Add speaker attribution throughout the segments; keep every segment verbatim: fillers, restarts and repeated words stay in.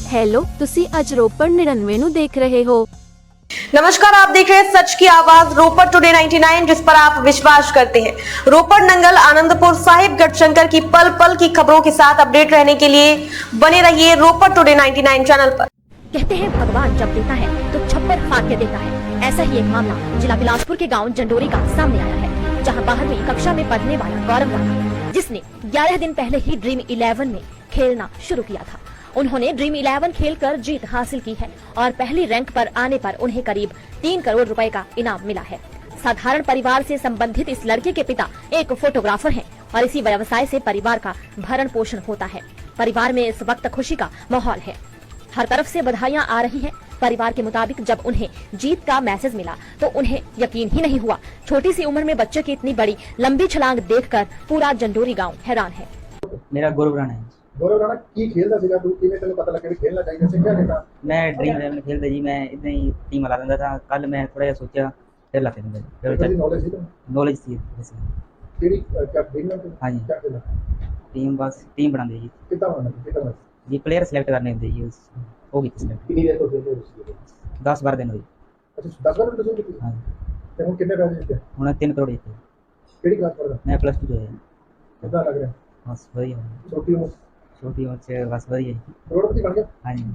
Speaker 1: Hello, तुसी अज रोपड़ निन्यानवे नु देख रहे हो।
Speaker 2: नमस्कार, आप देख रहे हैं सच की आवाज रोपड़ टुडे निन्यानवे, जिस पर आप विश्वास करते हैं। रोपड़, नंगल, आनंदपुर साहिब, गढ़शंकर की पल पल की खबरों के साथ अपडेट रहने के लिए बने रहिए रोपड़ टुडे निन्यानवे चैनल पर।
Speaker 3: कहते हैं भगवान जब देता है तो छप्पर फाड़ के देता है। ऐसा ही एक मामला जिला बिलासपुर के गांव जंडोरी का सामने आया है, जहां बारहवीं कक्षा में पढ़ने वाला गौरव राणा, जिसने ग्यारह दिन पहले ही ड्रीम इलेवन में खेलना शुरू किया था। उन्होंने ड्रीम इलेवन खेलकर जीत हासिल की है और पहली रैंक पर आने पर उन्हें करीब तीन करोड़ रुपए का इनाम मिला है। साधारण परिवार से संबंधित इस लड़के के पिता एक फोटोग्राफर हैं और इसी व्यवसाय से परिवार का भरण पोषण होता है। परिवार में इस वक्त खुशी का माहौल है, हर तरफ से बधाइयां आ रही हैं। परिवार के मुताबिक जब उन्हें जीत का मैसेज मिला तो उन्हें यकीन ही नहीं हुआ। छोटी सी उम्र में बच्चे की इतनी बड़ी लंबी छलांग देखकर पूरा जंडोरी गांव हैरान है।
Speaker 4: मेरा गौरव राणा है।
Speaker 5: गौरव राणा की खेलदा सीगा, तू किवें तैनूं पता लग्या भी खेलना चाहिए सी? क्या कहता?
Speaker 4: मैं ड्रीम इलेवन खेलता जी, मैं इतना ही टीम ला दिंदा था। कल मैं थोड़ा जिहा सोचा फिर ला दिंदा
Speaker 5: तेरी नॉलेज थी?
Speaker 4: नॉलेज थी वैसे।
Speaker 5: तेरी क्या ड्रीम में
Speaker 4: हाँ जी,
Speaker 5: क्या खेलना?
Speaker 4: टीम बस टीम बनाते जी।
Speaker 5: कितना बनना कितना
Speaker 4: जी प्लेयर सिलेक्ट करने होंगे जी, उस हो गई सिलेक्ट।
Speaker 5: कितनी देर तो खेलते हो?
Speaker 4: दस बारह दिन हुई।
Speaker 5: अच्छा, दस बार तो खेलते
Speaker 4: हाँ
Speaker 5: ते हुन कितने पैसे जीते?
Speaker 4: हुण तीन करोड़ जीते।
Speaker 5: केड़ी क्लास पढ़दा?
Speaker 4: मैं प्लस टू जो है।
Speaker 5: कितना लग रहा?
Speaker 4: बस वही है,
Speaker 5: छोटी उम्र
Speaker 4: छोटी उम्र से बस वही है।
Speaker 5: करोड़पति बन गया?
Speaker 4: हाँ जी,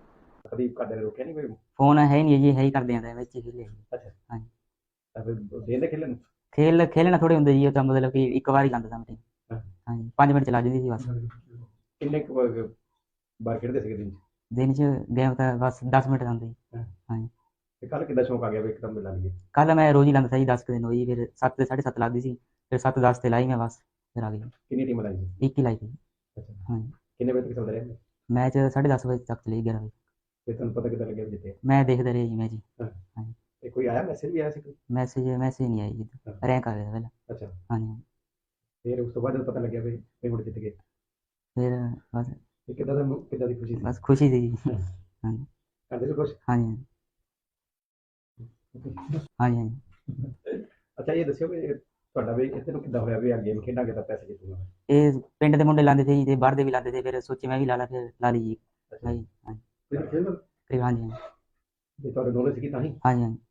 Speaker 5: कभी काटे ने रोके नहीं कोई?
Speaker 4: फोन है नहीं जी, है ही कर देंगे ਵਿੱਚ ਹੀ खेले।
Speaker 5: अच्छा,
Speaker 4: हाँ जी,
Speaker 5: ਤਾਂ ਫਿਰ ਦੇਂਦੇ ਖੇਲਣ?
Speaker 4: खेल खेलना थोड़े होंगे जी, तो मतलब कि एक बार ही लांदा था मैं टीम। हाँ जी, पाँच मिनट चला जाती थी बस।
Speaker 5: ਕਿੰਨੇ ਕੁ ਬਾਰ ਖੇਡਦੇ ਸੀਗੇ ਦਿਨ ਚ?
Speaker 4: दिन च गेम तो बस दस मिनट लांदे जी। हाँ जी,
Speaker 5: ਤੇ ਕੱਲ ਕਿੱਦਾਂ ਸ਼ੌਂਕ ਆ ਗਿਆ ਵੀ ਇੱਕਦਮ ਮਿਲਾ ਲਈਏ?
Speaker 4: कल मैं रोज ही लांदा था जी, दस दिन हुई, फिर सत्त साढ़े सत्त लगती सी, फिर सत्त दस ते लाई मैं बस, फिर आ गई।
Speaker 5: ਕਿੰਨੀ ਟੀਮ ਲਾਈ?
Speaker 4: एक ही लाई थी।
Speaker 5: ਅੱਛਾ,
Speaker 4: हाँ जी,
Speaker 5: ਕਿੰਨੇ ਵਜੇ ਤੱਕ ਚੱਲਦਾ ਰਿਹਾ?
Speaker 4: मैच साढ़े दस बजे तक चली, ग्यारह बजे।
Speaker 5: ਤੇ ਤੁਹਾਨੂੰ ਪਤਾ ਕਿੱਦਾਂ ਲੱਗਿਆ ਵੀ ਜਿੱਤੇ?
Speaker 4: मैं देखते रहे जी मैच जी।
Speaker 5: ਤੇ ਕੋਈ ਆਇਆ ਮੈਸੇਜ ਵੀ ਆਇਆ ਸੀ ਕੋਈ?
Speaker 4: मैसेज मैसेज नहीं आई जी, रैंक आ गया था पहले।
Speaker 5: ਅੱਛਾ,
Speaker 4: हाँ जी,
Speaker 5: ਫਿਰ ਉਸ ਤੋਂ ਬਾਅਦ ਜਦੋਂ ਪਤਾ ਲੱਗਿਆ ਵੀ ਵੀ ਹੁਣ ਜਿੱਤ ਗਏ,
Speaker 4: फिर बस
Speaker 5: ਤੇ ਕਿੱਦਾਂ ਦਾ ਕਿੱਦਾਂ ਦੀ ਖੁਸ਼ੀ ਸੀ?
Speaker 4: बस खुशी थी जी। हाँ जी,
Speaker 5: ਕਰਦੇ ਸੀ ਕੁਛ?
Speaker 4: हाँ जी, हाँ जी, हाँ जी।
Speaker 5: ਅੱਛਾ, ਇਹ ਦੱਸਿਓ ਵੀ ਤੁਹਾਡਾ ਵੀ ਇੱਥੇ ਨੂੰ ਕਿੱਦਾਂ ਹੋਇਆ ਵੀ ਆ ਗੇਮ ਖੇਡਾਂਗੇ ਤਾਂ ਪੈਸੇ ਜਿੱਤੂਗਾ?
Speaker 4: ये पिंड के मुंडे लाते थे जी, बाहर दे भी लाते थे, फिर सोचे मैं भी ला ला, फिर ला ली जी। हाँ जी, हाँ जी,
Speaker 5: ਤੁਸੀਂ ਖੇਡੋ
Speaker 4: फिर हाँ जी, हाँ जी,
Speaker 5: ਜੇ ਤੁਹਾਡੇ ਨੌਲੇਜ ਸੀ ਤਾਂ ਹੀ।
Speaker 4: हाँ जी, हाँ जी।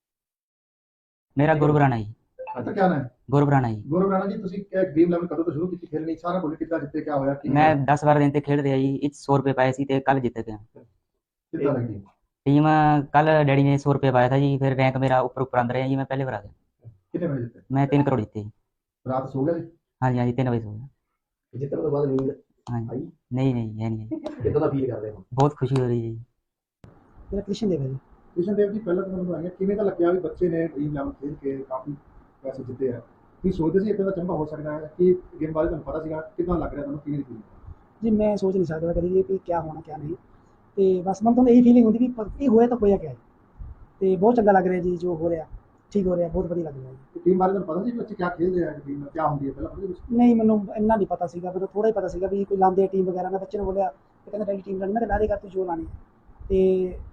Speaker 4: मेरा गौरव राणा जी।
Speaker 5: अच्छा, क्या नाम है?
Speaker 4: गौरव राणा जी।
Speaker 5: गौरव राणा जी, ਤੁਸੀਂ ड्रीम इलेवन ਕਦੋਂ ਤੋਂ ਸ਼ੁਰੂ ਕੀਤੀ खेलनी? सारा बोले कितना जितते, क्या होया?
Speaker 4: मैं दस बारह दिन ते खेल रहा जी, इच सौ रुपये पाए सी ते कल जीत गया।
Speaker 5: कितना लगी?
Speaker 4: टीम कल डैडी ने सौ रुपये पाया था जी, फिर रैंक मेरा ऊपर ऊपर अंदर है जी, मैं पहले बार आ गया।
Speaker 5: कितने बजे जितते?
Speaker 4: मैं तीन करोड़ जीते जी।
Speaker 5: रात सो गए?
Speaker 4: हाँ जी, हाँ जी, तीन बजे सो गया।
Speaker 5: जितने तो बाद नींद
Speaker 4: हाँ जी,
Speaker 5: आई?
Speaker 4: नहीं नहीं है नहीं है।
Speaker 5: कितना दा फील कर रहे हो?
Speaker 4: बहुत खुशी हो रही है जी।
Speaker 6: मेरा कृष्ण देव है जी।
Speaker 5: कृष्ण देव जी, पहले तो मैं बताएंगे किवें दा लग्या भी बच्चे ने ड्रीम इलेवन खेल के काफी पैसे जिते हैं। ਤੁਸੀਂ ਸੋਚਦੇ ਸੀ ਇਦਾਂ ਦਾ ਚੰਗਾ ਹੋ ਸਕਦਾ ਹੈ ਕਿ ਗੇਮ ਬਾਰੇ ਤੁਹਾਨੂੰ ਪਤਾ ਸੀਗਾ? ਕਿਦਾਂ ਲੱਗ ਰਿਹਾ ਤੁਹਾਨੂੰ, ਕਿਵੇਂ ਦੀ ਫੀਲਿੰਗ?
Speaker 6: जी मैं सोच नहीं सकता कभी भी कि क्या होना क्या नहीं, तो बस मन तो यही फीलिंग होती भी ये होया तो होया क्या है, तो बहुत चंगा लग रहा है जी, जो हो रहा ठीक हो रहा है, बहुत बढ़िया लग रहा है।
Speaker 5: टीम बारे ਤੁਹਾਨੂੰ ਪਤਾ ਸੀ ਬੱਚੇ क्या खेल रहे हैं, टीम क्या होती है ਪਹਿਲਾਂ ਪਤਾ ਸੀ?
Speaker 6: नहीं मैंने इन्ना नहीं पता सीगा, मैं थोड़ा ही पता सीगा भी कोई लाते टीम वगैरह। मैं बच्चे ने बोलिया तो कहते डैडी टीम लानी, मैं ला देगा तू जो लानी है,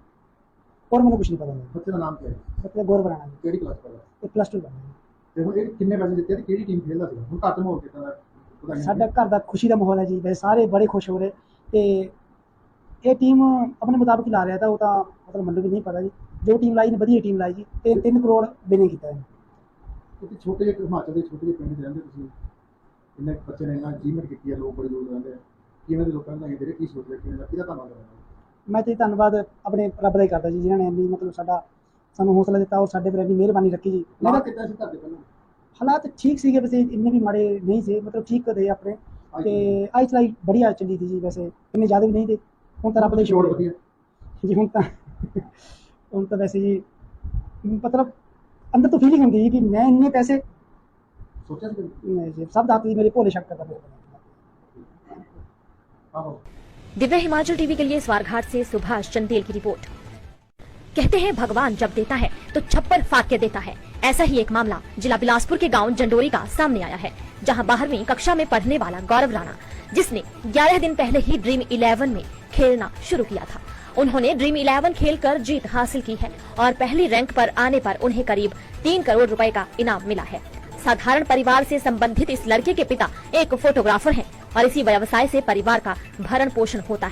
Speaker 6: तो और मैंने कुछ नहीं पता।
Speaker 5: ਬੱਚੇ ਦਾ ਨਾਮ ਕੀ ਹੈ?
Speaker 6: मतलब गौरव राणा जी,
Speaker 5: ਕਿਹੜੀ ਕਲਾਸ ਪੜ੍ਹਦਾ?
Speaker 6: तो प्लस टू करना
Speaker 5: ਤੇ ਹੁਣ ਇਹ ਕਿੰਨੇ ਪੈਸੇ ਜਿੱਤੇ ਤੇ ਕਿਹੜੀ ਟੀਮ ਖੇਲਦਾ ਸੀ? ਹੁਣ ਘੱਟ ਮਾਹੌਲ ਕਿਦਾਂ ਦਾ?
Speaker 6: साडा घर का खुशी का माहौल है जी, वैसे सारे बड़े खुश हो रहे, तो ये टीम अपने मुताबिक ही ला रहा था, वो तो मतलब मैंने भी नहीं पता जी, जो टीम लाई ने वधिया टीम लाई जी, तीन तीन करोड़ बिने किया है।
Speaker 5: ਤੁਸੀਂ ਛੋਟੇ ਜਿਹੇ ਹਿਮਾਚਲ ਦੇ ਛੋਟੇ ਜਿਹੇ ਪਿੰਡ 'ਚ ਰਹਿੰਦੇ, ਤੁਸੀਂ ਇੰਨੇ ਬੱਚੇ ਨੇ ਇੰਨਾ ਅਚੀਵਮੈਂਟ ਕੀਤੀ ਹੈ, ਲੋਕ ਬੜੇ ਦੂਰ ਰਹਿੰਦੇ ਆ, ਕਿਵੇਂ ਦੇ ਲੋਕਾਂ ਨੂੰ ਜਿਹੜੇ ਕੀ ਸੋਚਦੇ, ਕਿਵੇਂ ਦਾ ਕਿਹਦਾ ਧੰਨਵਾਦ ਕਰਨਾ?
Speaker 6: मैं तो धन्यवाद अपने रब का ही करता जी, जिन्होंने इन्नी मतलब साडा सानू हौसला दिता और साडे पर इन्नी मेहरबानी रखी जी।
Speaker 5: ਲਾਣਾ ਕਿੱਦਾਂ ਸੀ ਘਰ ਦੇ ਪਹਿਲਾਂ?
Speaker 6: हालात ठीक सी वैसे इन्ने भी माड़े नहीं थे, मतलब ठीक थे अपने, तो आई चलाई बढ़िया चली थी जी, वैसे इन्ने ज़्यादा भी नहीं थे। हूँ तो रब का
Speaker 5: ਸ਼ੋਰ
Speaker 6: शुक्र
Speaker 5: ਵਧੀਆ
Speaker 6: जी, हूँ तो हूँ तो वैसे जी मतलब अंदर तो फीलिंग होती है कि मैं इन्ने पैसे
Speaker 5: ਸੋਚਿਆ ਸੀ?
Speaker 6: नहीं जी, सब दाती मेरे भोले शक करता मेरे।
Speaker 5: ਆਹੋ,
Speaker 3: दिव्य हिमाचल टीवी के लिए स्वारघाट से सुभाष चंदेल की रिपोर्ट। कहते हैं भगवान जब देता है तो छप्पर फाड़ के देता है। ऐसा ही एक मामला जिला बिलासपुर के गांव जंडोरी का सामने आया है, जहां बारहवीं कक्षा में पढ़ने वाला गौरव राणा, जिसने ग्यारह दिन पहले ही ड्रीम इलेवन में खेलना शुरू किया था। उन्होंने ड्रीम इलेवन खेलकर जीत हासिल की है और पहली रैंक पर आने पर उन्हें करीब तीन करोड़ रुपए का इनाम मिला है। साधारण परिवार से संबंधित इस लड़के के पिता एक फोटोग्राफर हैं और इसी व्यवसाय से परिवार का भरण पोषण होता है।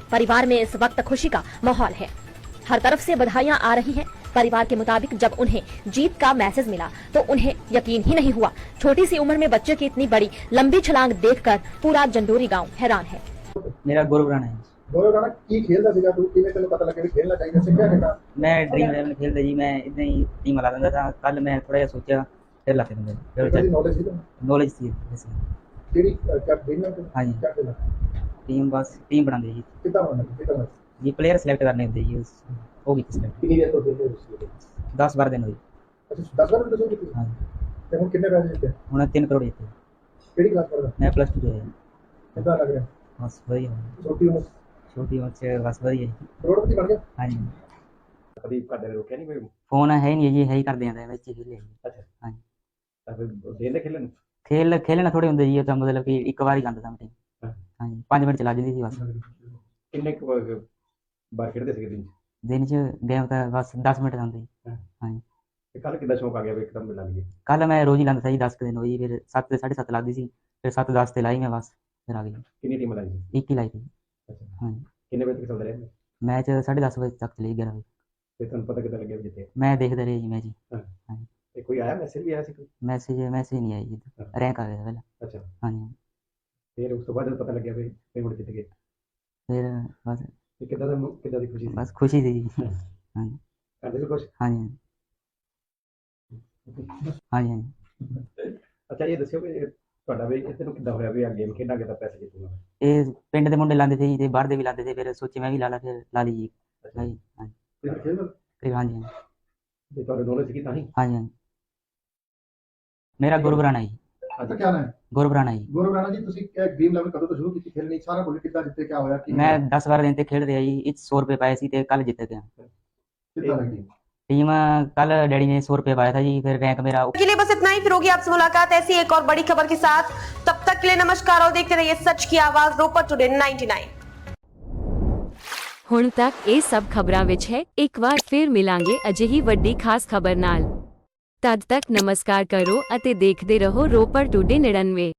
Speaker 3: परिवार में इस वक्त खुशी का माहौल है। हर तरफ से बधाइयां आ रही हैं। परिवार के मुताबिक जब उन्हें जीत का मैसेज मिला तो उन्हें यकीन ही नहीं हुआ। छोटी सी उम्र में बच्चे की इतनी बड़ी लंबी छलांग देखकर पूरा जंडोरी गांव हैरान है।
Speaker 4: मेरा गौरव राणा है।
Speaker 5: ਗੌਰਵ ਰਾਣਾ ਕੀ ਖੇਲਦਾ ਸੀਗਾ ਤੂੰ ਕਿਵੇਂ ਤੈਨੂੰ ਪਤਾ ਲੱਗਿਆ ਵੀ ਖੇਲਣਾ ਚਾਹੀਦਾ ਸਿੱਖਿਆ ਕਿੱਦਾਂ
Speaker 4: मैं ड्रीम इलेवन खेलता जी, मैं इतना ही टीम ला दिंदा था। कल मैं थोड़ा जिहा सोचा फिर ला के दिंदा
Speaker 5: ਇਹਦੀ
Speaker 4: फिर
Speaker 5: ਨੌਲੇਜ ਸੀ ਤੈਨੂੰ
Speaker 4: नॉलेज थी वैसे।
Speaker 5: ਕਿਹੜੀ ਕਿਆ ड्रीम है
Speaker 4: हाँ जी,
Speaker 5: क्या खेलना
Speaker 4: टीम बस टीम बनाते जी
Speaker 5: कितना बनना कितना बनना
Speaker 4: जी प्लेयर सिलेक्ट करने होते जी, उस वो भी सिलेक्ट
Speaker 5: कितनी देर तो खेलते हो
Speaker 4: दस बारह दिन हुई।
Speaker 5: अच्छा दस बार तो शुरू
Speaker 4: हाँ
Speaker 5: ਤੇ ਹੁਣ ਕਿੰਨੇ ਪੈਸੇ ਦਿੱਤੇ
Speaker 4: हूँ तीन करोड़ जीते।
Speaker 5: ਕਿਹੜੀ ਕਲਾਸ ਪੜਦਾ
Speaker 4: मैं प्लस टू जो है
Speaker 5: ਕਿੱਦਾਂ ਲੱਗ ਰਿਹਾ
Speaker 4: बस वही है,
Speaker 5: ਛੋਟੀ ਉਮਰ
Speaker 4: छोटी उम्र से बस वही है।
Speaker 5: ਕਰੋੜਪਤੀ ਬਣ ਗਿਆ
Speaker 4: हाँ जी,
Speaker 5: ਕਦੀ ਘਰ ਦੇ ਰੋਕਿਆ ਨਹੀਂ ਕੋਈ
Speaker 4: फोन है ही नहीं जी, है ही कर दिया बच्चे खेले जी।
Speaker 5: ਅੱਛਾ
Speaker 4: हाँ जी,
Speaker 5: ਤਾਂ ਫਿਰ ਦੇਂਦੇ ਖੇਲਣ
Speaker 4: खेल खेलना थोड़े होंगे जी, तो मतलब कि एक बार ही गांदा था टीम।
Speaker 5: हाँ।
Speaker 4: हाँ जी, पाँच मिनट चला जाती थी बस।
Speaker 5: ਕਿੰਨੇ ਕੁ ਵਾਰ- ਬਾਰ ਖੇਡਦੇ ਸੀਗੇ ਦਿਨ 'ਚ
Speaker 4: दिन च गेम तो बस दस मिनट आते। हाँ जी,
Speaker 5: ਤੇ ਕੱਲ ਕਿੱਦਾਂ ਸ਼ੌਂਕ ਆ ਗਿਆ ਵੀ ਇੱਕਦਮ ਮਿਲਾ ਲਈਏ
Speaker 4: कल मैं रोज ही लाता था जी, दस दिन हुई, फिर सत्त साढ़े सत्त लगती सी, फिर सत्त दस ते लाई मैं बस, फिर आ गई
Speaker 5: ਕਿੰਨੀ ਟੀਮ ਲਾਈ ਸੀ
Speaker 4: एक ही लाई थी।
Speaker 5: ਅੱਛਾ
Speaker 4: हाँ जी,
Speaker 5: ਕਿੰਨੇ ਵਜੇ ਤੱਕ ਚੱਲਦੇ ਰਹੇ
Speaker 4: मैच साढ़े दस बजे तक चली ग्यारह बजे।
Speaker 5: ਤੇ ਤੁਹਾਨੂੰ ਪਤਾ ਕਿੱਦਾਂ ਲੱਗਿਆ ਵੀ ਜਿੱਤੇ
Speaker 4: मैं देखते रहे जी मैच जी।
Speaker 5: ਤੇ ਕੋਈ ਆਇਆ ਮੈਸੇਜ ਵੀ ਆਇਆ ਸੀ ਕੋਈ
Speaker 4: मैसेज मैसेज नहीं आई जी,
Speaker 5: हाँ।
Speaker 4: रैंक आ गया पहले।
Speaker 5: ਅੱਛਾ
Speaker 4: हाँ जी,
Speaker 5: ਫਿਰ ਉਸ ਤੋਂ ਬਾਅਦ ਜਦੋਂ ਪਤਾ ਲੱਗਿਆ ਵੀ ਵੀ ਹੁਣ ਜਿੱਤ ਗਏ
Speaker 4: फिर बस
Speaker 5: ਤੇ ਕਿੱਦਾਂ ਦਾ ਕਿੱਦਾਂ ਦੀ ਖੁਸ਼ੀ ਸੀ
Speaker 4: बस खुशी थी जी। हाँ जी,
Speaker 5: ਕਰਦੇ ਵੀ ਕੁਛ
Speaker 4: हाँ जी, हाँ जी, हाँ जी।
Speaker 5: ਅੱਛਾ ਇਹ ਦੱਸਿਓ ਕਿ ਤੁਹਾਡਾ ਵੀ ਇਹ ਤੈਨੂੰ ਕਿੱਦਾਂ ਹੋਇਆ ਵੀ ਆ ਗੇਮ ਖੇਡਾਂਗੇ ਤਾਂ ਪੈਸੇ ਜਿੱਤੂਗਾ
Speaker 4: ये पिंड के मुंडे लाते थे जी, ते बाहर दे भी लाते थे, फिर सोचे मैं भी ला ला, फिर ला ली जी। हाँ जी, हाँ जी,
Speaker 5: ਤੇ ਖੇਡਣ
Speaker 4: फिर हाँ जी, हाँ
Speaker 5: ਤੇ ਤੁਹਾਡੇ ਦੋਨੋਂ ਸੀ ਤਾਂ ਹੀ
Speaker 4: जी, हाँ जी। मेरा गौरव राणा जी,
Speaker 5: ਅੱਛਾ ਕੀ ਨਾਮ ਹੈ
Speaker 4: गौरव राणा जी।
Speaker 5: ਗੌਰਵ ਰਾਣਾ ਜੀ ਤੁਸੀਂ ਇਹ ਡ੍ਰੀਮ ਇਲੈਵਨ ਕਦੋਂ ਤੋਂ ਸ਼ੁਰੂ ਕੀਤੀ ਖੇਲਣੀ ਸਾਰਾ ਬੋਲੀ ਕਿੱਦਾਂ ਜਿੱਤੇ ਕਿਆ ਹੋਇਆ ਕੀ
Speaker 4: मैं दस बारह दिन तक खेल रहा जी, इस सौ रुपये पाए सी, ते कल जीत गया।
Speaker 5: ਕਿੱਦਾਂ ਲੱਗੀ
Speaker 4: टीम कल डैडी ने सौ रुपये पाया था जी, फिर रैंक मेरा
Speaker 2: के लिए बस इतना ही। फिर होगी आपसे मुलाकात ऐसी एक और बड़ी खबर के साथ। तब तक के लिए नमस्कार और देखते रहिए सच की आवाज रोपर टुडे नाइंटी नाइन।
Speaker 1: ਹੁਣ ਤੱਕ ਇਹ ਸਭ ਖਬਰਾਂ ਵਿੱਚ ਹੈ। ਇੱਕ ਵਾਰ ਫਿਰ ਮਿਲਾਂਗੇ ਅਜਿਹੀ ਵੱਡੀ ਖਾਸ ਖਬਰ ਨਾਲ। ਤਦ ਤੱਕ ਨਮਸਕਾਰ ਕਰੋ ਅਤੇ ਦੇਖਦੇ ਰਹੋ ਰੋਪੜ ਟੁਡੇ ਨੜਿਨਵੇਂ।